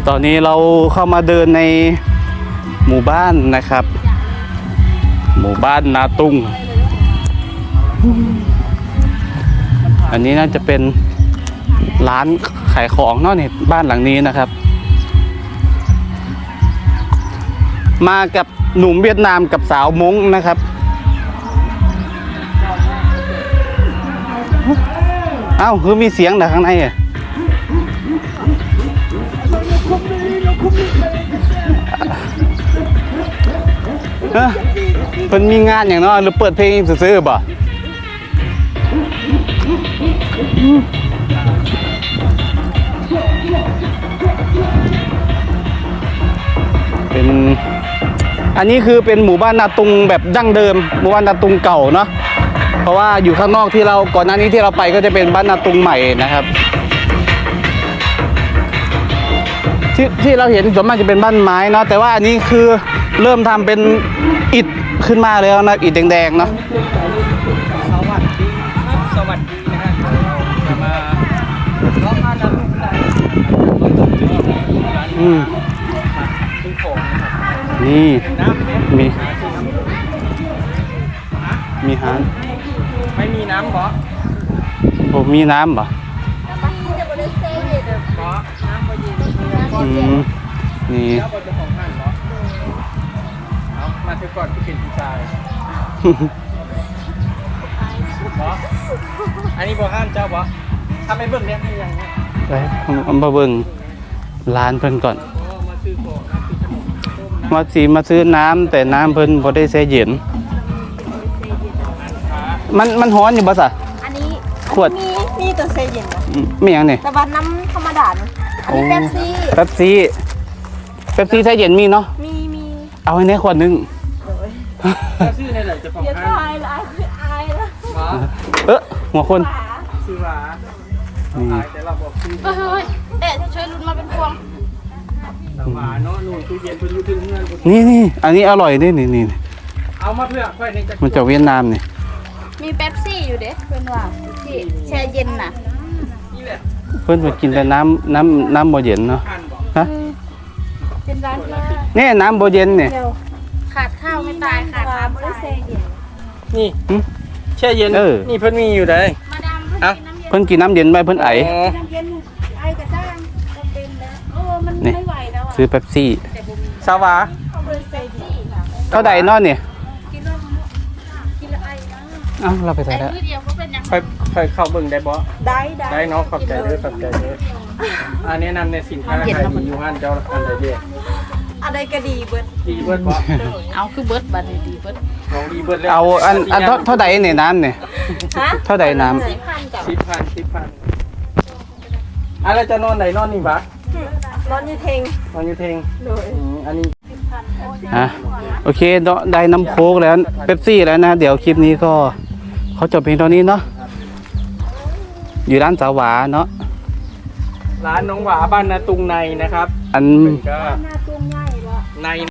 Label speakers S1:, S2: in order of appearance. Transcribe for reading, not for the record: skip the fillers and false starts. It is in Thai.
S1: ตอนนี้เราเข้ามาเดินในหมู่บ้านนะครับ หมู่บ้านนาตุงอันนี้น่าจะเป็นร้านขายของเนาะนี่บ้านหลังนี้นะครับมากับหนุ่มเวียดนามกับสาวม้งนะครับเอ้าคือมีเสียงจากข้างในอ่ะเป็นมีงานอย่างเนาะหรือเปิดเพลงซื้อๆบ่เป็นอันนี้คือเป็นหมู่บ้านนาตุงแบบดั้งเดิมหมู่บ้านนาตุงเก่าเนาะเพราะว่าอยู่ข้างนอกที่เราก่อนหน้านี้ที่เราไปก็จะเป็นบ้านนาตุงใหม่นะครับที่เราเห็นส่วนมากจะเป็นบ้านไม้เนาะแต่ว่าอันนี้คือเริ่มทำเป็นอิฐขึ้นมาแล้วนะอิฐแดงๆเนาะ
S2: สวัสดีนะฮะจะมาล้อมมาน้ำซื้อของ
S1: นี่
S2: น้ำ
S1: มีฮาน
S2: ไม่มีน้ำหรอ
S1: ผมมีน้ำบ่นี่
S2: มาถึงก่อนที่เป็นผู้ชายอันนี้บ่ห้ามเจ้าบ่ทำให้เบิ่งเนี่ยยังไง
S1: ไปมาเบิ่งร้านเพิ่นก่อนมาซื้อน้ำแต่น้ำเพิ่นบ่ได้แช่เย็นมันร้อนอยู่บ่ซะ
S3: อันนี้
S1: ขวด
S3: มีตัวแช่เย็นนะ
S1: ไม่หยังนี่
S3: แต่ว่าน้ำธรรมดาอันนี้เป๊ปซี่
S1: แป๊บซี่แช่เย็นมีเนาะ
S3: มี
S1: เอาให้ในขวดนึง
S2: ชื่อในไหนจะของ
S3: ห้างอายละ
S1: หัวคน
S2: ชื่อว่าแต่เราบอกชื่อ
S3: เฮ้ยจะช่วยลุ้นมาเป็นพวง
S2: หวานเนาะนู่นตู้เย็นเป็นยูทูบเงื่อน
S1: นี่อันนี้อร่อยนี่
S2: เอามาเพื่อค่อยใน
S1: มันจากเวียดนามนี่
S3: มีเป๊ปซี่อยู่เด้เป็นว่าที่แช่เย็นน่ะ
S2: นี่แหละ
S1: เพิ่นมากินแต่น้ำบ่เย็นเนาะฮะ
S3: เป็นร้าน
S1: นี่น้ำบ่เย็นนี่
S3: ขาดข้าวไม่ตายขาดน้ำไม่แช่เย็น
S2: นี่แช่เย็นนี่เพิ่นมีอยู่ได้
S3: มาดาม
S1: เพิ่นกินน้ำเย็นไปเพิ่นไอ
S3: น้ำเย็นไอกระด้างจำเป็นแล้วมันไม่ไหวแล้ว
S1: ซื้อเป๊ปซี่
S2: สาวา
S1: เท่าใดนอนเนี่ย
S3: กินแล้วไอนะ
S1: เราไปใส่แล้ว
S2: ไปเข้าเบิ่งได้บ่
S3: ได้
S2: เนาะขอบใจเด้ออันนี้นำในสินค้าขายดีอยู่ห้านเจ้าอันใดเด้
S3: อะไรก็ดีเบิด
S2: บ่
S3: เอาคือเบิดบัดดีเบิด
S2: ของดีเบิดแล้ว
S1: เอาอันเท่าใดเนี่ยน้ำเนี่ยเท่าใดน้ำ
S2: 10,000อะไรจะนอนไหนนอนนี่ปะ
S3: นอนอยู่เทง
S2: อันนี้
S1: โอเคได้น้ำโค้กแล้วเป๊ปซี่แล้วนะเดี๋ยวคลิปนี้ก็เขาจบเพียงเท่านี้เนาะอยู่ร้านสาวหวาเนาะ
S2: ร้านน้องหวาบ้านนาตุงในนะครับ
S1: อัน
S3: นาตุงใหญ่ละ
S2: ใน